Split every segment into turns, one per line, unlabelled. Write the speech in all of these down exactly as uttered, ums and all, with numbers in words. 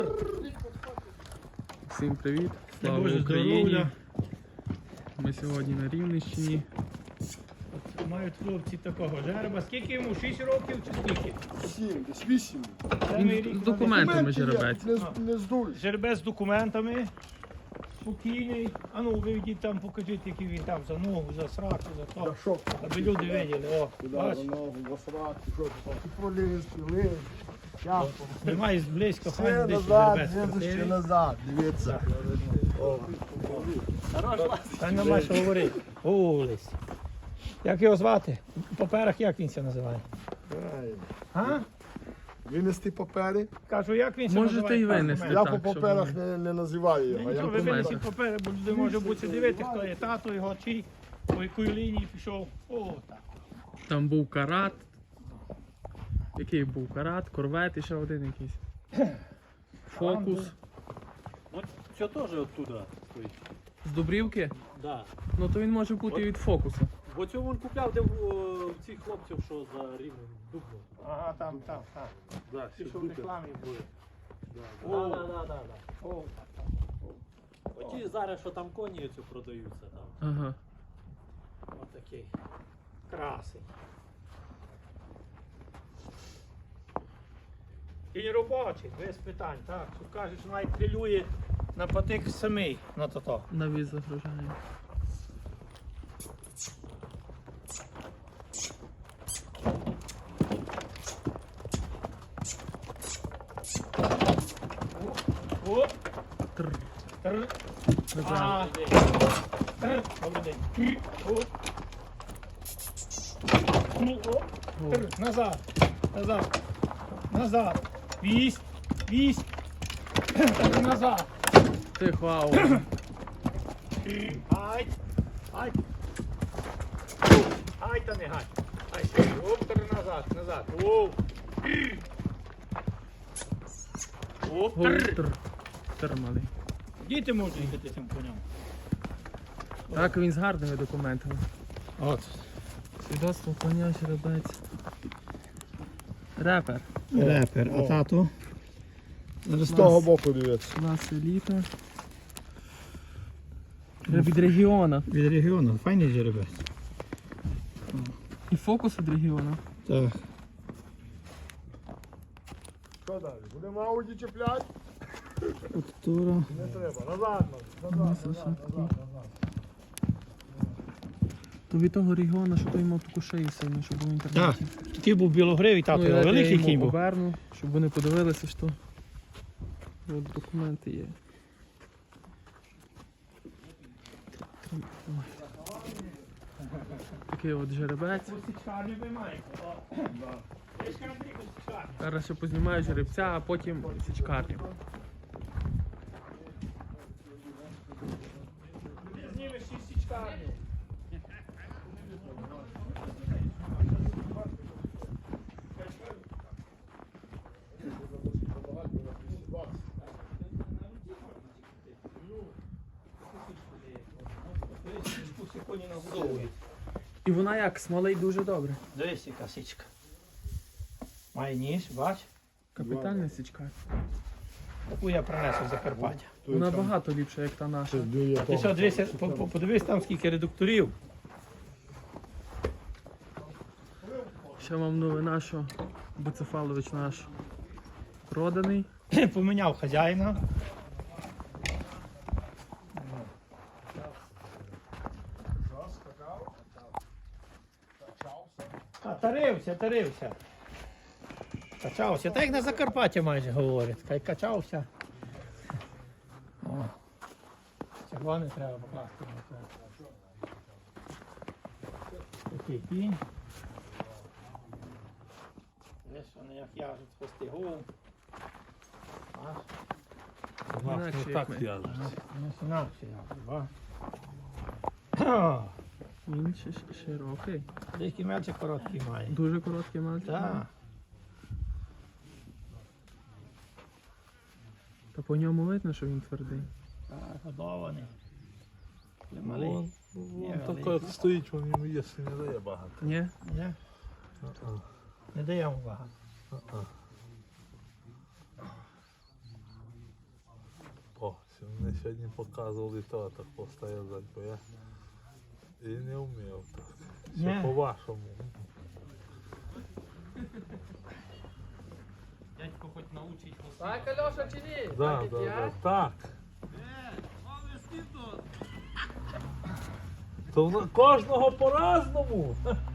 Всім привіт! Слава Україні! Ми сьогодні на Рівненщині.
От мають хлопці такого жереба. Скільки йому? шість років чи скільки?
Сім, десь вісім.
Він з документами жеребець.
Не, не здуй.
Жеребець з документами. Спокійний. А ну виведіть там, покажіть, який він там за ногу, за сраку, за
Да
то.
що?
Аби люди виділи. О,
Куди
бач,
на ногу, басрати, що ти там? Ти проліз, ти ліз. Я
знімай зблизько,
все
хай десь
назад,
жеребець
їду ще
красивий.
назад, дивіться. О.
Та нема що говорити. Олесь. Як його звати? У паперах як він це називає?
Правильно.
А?
Винести папери.
Кажу, як він це
Можете
називає?
і винести.
Так,
Я
так,
по
щоб
паперах
вони-
не, не називаю його.
Ну,
Я
ви
документи.
винесіть папери, бо люди може бути дивитися, хто є тато, його чий, по якої лінії пішов. О, так.
Там був карат. Який був карат, корвет і ще один якийсь. Фокус.
Вот все тоже оттуда стоїть.
З Дубрівки?
Да.
Ну то він може бути і від фокуса.
Бо цього він купляв, де в, о, в цих хлопців, що за рівнем Дубно.
Ага, там, там, там.
Да,
Ті, що в рекламі були.
Да,
О.
да, да, да, да.
О,
Оті зараз, що там коні оцю продаються там.
Ага.
отакий. Красень. Кінь робочий, без питань, так. Що кажеш, навіть прилює на патик самий на то-то.
Навіз загружає.
О,
Тр.
тр.
Назад.
А, тр. Добрий день. О. Ну, о. Тр. Назад. Назад. Назад. Вісь. Вісь. Тр. Назад.
Тихо, ау.
Ай. Ай. Ай, та не гай. Ай, оп, тр. Назад. Назад. Оу. Оп,
Гол,
тр.
тр. Тр малий.
Діти можуть їхати цим конем.
Так, він з гарними документами.
От.
Свідоцтво коня, жеребець. Репер.
Репер,
а
тато?
З того боку дивіться.
Клас еліта. Від регіона.
Від регіону, файний жеребець.
І фокус від регіону.
Так.
Що далі? Будемо ауді чіпляти?
Фактура.
Не треба. Назад, назад, назад, назад, назад, назад.
То від того регіону, що той мав таку шию сильну, щоб був в
Так,
інтернеті.
такий був білогривий, тато,
Ну,
його
я
великий
йому
кінь був.
оберну, щоб вони подивилися, що от документи є. Ой. Такий от жеребець.
Січкарню ви маєте.
Зараз ще познімаю жеребця, а потім січкарню.
Ти знімеш і січкарню. Коні нагодовують.
І вона як, смолить дуже добре.
Дивись, яка січка. Має ніж, бач.
Капітальна січка.
Таку я принесу з Закарпаття.
Вона багато ліпша, як та наша.
А ти що, дивися, по- по- подивись там скільки редукторів.
Ще вам новина, що Буцефалович наш проданий.
Поміняв хазяїна. А, тарився, тарився. Качався. Так як на Закарпатті майже говорять. Хай качався. О. Цього не треба покласти. Такий кінь. Десь вони як яжуть фестигу. Аж.
Інакше, як ми.
Ну, інакше яжуть, ба.
Він ще ш- широкий.
Деякі мельчик короткий має.
Дуже короткий мальчик.
Так.
Та по ньому видно, що він твердий.
Так, годований. Малий.
Вон,
Ні,
вон
але-
так стоїть, він йому їсти не дає багато.
Ні?
Ні? Не даємо багато.
сьогодні показували то так постояти, бо я і не вмів так. Все
Ні.
по-вашому.
Дядько хоч научить вас.
Так, Альоша, чи ні?
Да, да, да, так. То в на- кожного по-разному.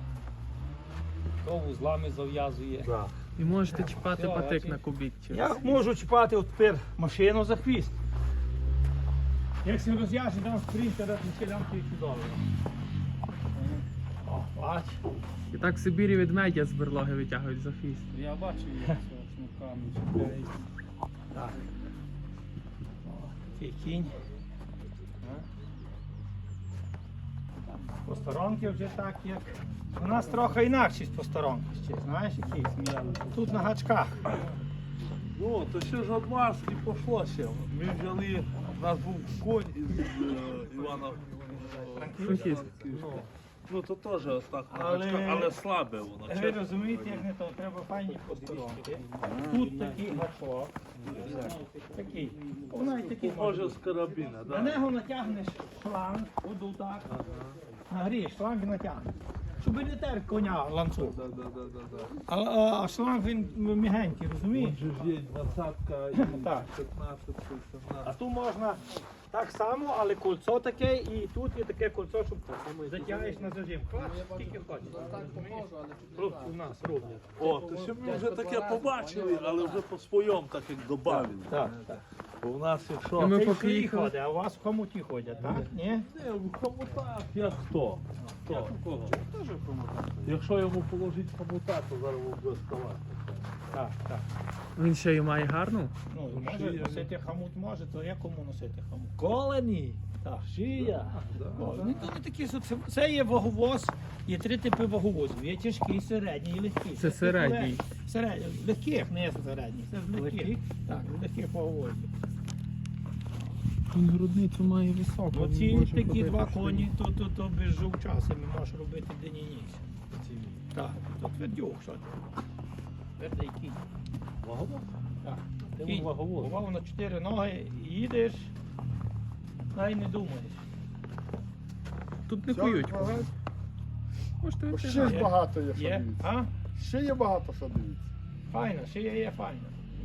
То вузлами зав'язує.
Да.
І можете чіпати
Все,
патик
бачиш?
на кубік. через.
Я можу чіпати от тепер машину за хвіст. Як се розв'яже, дам спринтера, то лямки чудово. О, бач.
І так в Сибірі ведмедя з берлоги витягують за хвіст.
Я бачив, як це шнурками чіпляють.
Так. О, такий кінь. Посторонки вже так, як. У нас трохи інакші посторонки ще, знаєш, які? Тут на гачках.
Ну, то ще ж від вас і пішло ще. Ми взяли, у нас був конь із е, Івана
Франківськ.
Ну, ну то теж ось так на
Але-
гачках, але слабе воно.
Ви розумієте, як не то, треба файні посторонки. Тут такий гачок. Такий. Вона і такий може.
Може з карабіна,
На
да?
нього натягнеш шланг, оду так. Нагрієш, шланг і натягнеш. Щоб не тер коня ланцюг.
Да, да, да, да, да.
А, а, а шланг він мігенький, розумієш?
Тут же ж є двадцятка і
Так.
п'ятнадцять,
А
сімнадцять.
тут можна так само, але кольцо таке, і тут є таке кольцо, щоб затягаєш на зажим. Клач, скільки хочеш. Хлопці у нас роблять.
О, то ще ми вже таке побачили, але вже по своєму так як добавили.
Так, так.
Бо в нас
І
якщо...
ми
Ми
поки
поки
їхали.
ходить, а у вас в хомуті ходять, так? Ні?
Не, в хомутах я хто? Хто?
Кого?
Якщо йому положити хомута, то зараз буде ставати.
Так, так.
Він ще й має гарну.
Ну, може носити хомут може, то я кому носити хомут?
Колені!
Так.
Шия!
Вони тут такі, що це, це є ваговоз, є три типи ваговозів. Є тяжкий, середній і легкий.
Це середній.
Середній. Легких, не середній. Це ж легких. Так, легких ваговозів.
Він грудницю має високу.
Оці такі два коні, то, то, то без жовчасами можеш робити день і ніч. Так, то твердюк, що ти. Твердий кінь.
Ваговоз?
Так.
Ти
Кінь.
ваговоз.
Бував на чотири ноги, їдеш, навіть не думаєш.
Тут не
Все,
кують.
ага.
Можете
Ще ж
витягати.
багато є, що
Є?
дивіться.
А?
Ще є багато, що дивіться.
Файно, ще є, є файно.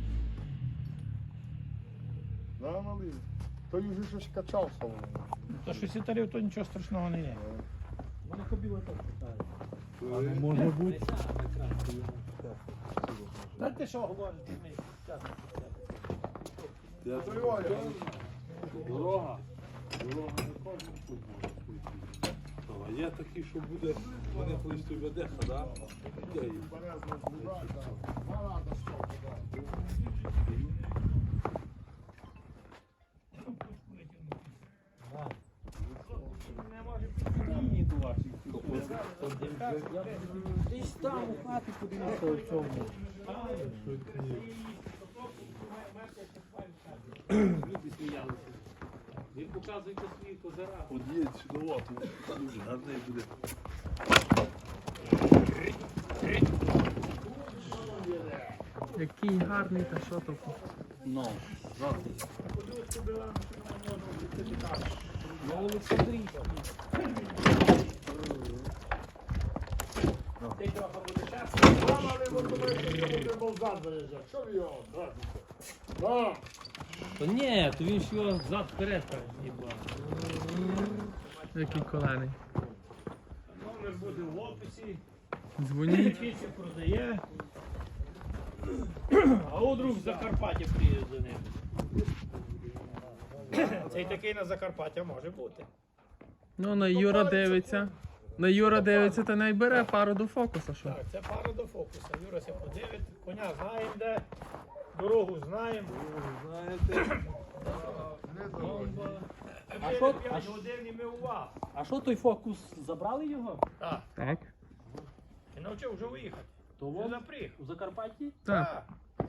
Да, малий. Той вже щось качався. воно.
То що сітарів, то нічого страшного не є.
Вони кобіли так питають.
Але може бути.
Та ти що говориш?
Я
Той Оля.
Дорога. Дорога не кожен тут може пойти. А є такі, що буде, вони колись тобі деха, да? Я їх.
Березна збирає, так. Марада стопа, так.
Десь там у хаті подивився у цьому. Люди сміялися. Він показує свої козира.
Од'їдь сюди, от, дуже гарний буде.
Який гарний, та що то.
Ну, на Олександрійській.
Мама не мотовити, що буде Богдан заїжджати. Що ви його? Да.
То ні, то він ж його взад вперед так з'їбав.
Який колений.
Номер буде в описі.
Дзвоніть.
Фіці продає. А у друг з Закарпаття приїде за ним. Цей такий на Закарпаття може бути.
Ну, на Юра дивиться. На Юра дивиться, та не бере пару до фокуса, що?
Так, це пара до фокуса. Юра се подивить, коня знаємо де, дорогу знаємо.
Знаєте,
А що- а
п'ять
що-
годин і ми у вас.
А що той фокус? Забрали його?
Так,
Так.
і навчив вже виїхати.
То
Вже
вон
запріг.
у Закарпатті?
Так.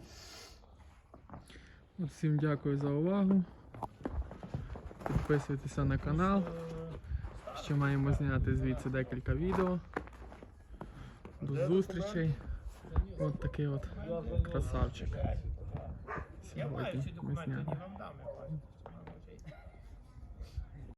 От всім дякую за увагу. Підписуйтеся на канал. Ще маємо зняти звідси декілька відео. До зустрічей. От такий от красавчик.
Я маю
Сьогодні
ці
ми
документи,
зняли.
не вам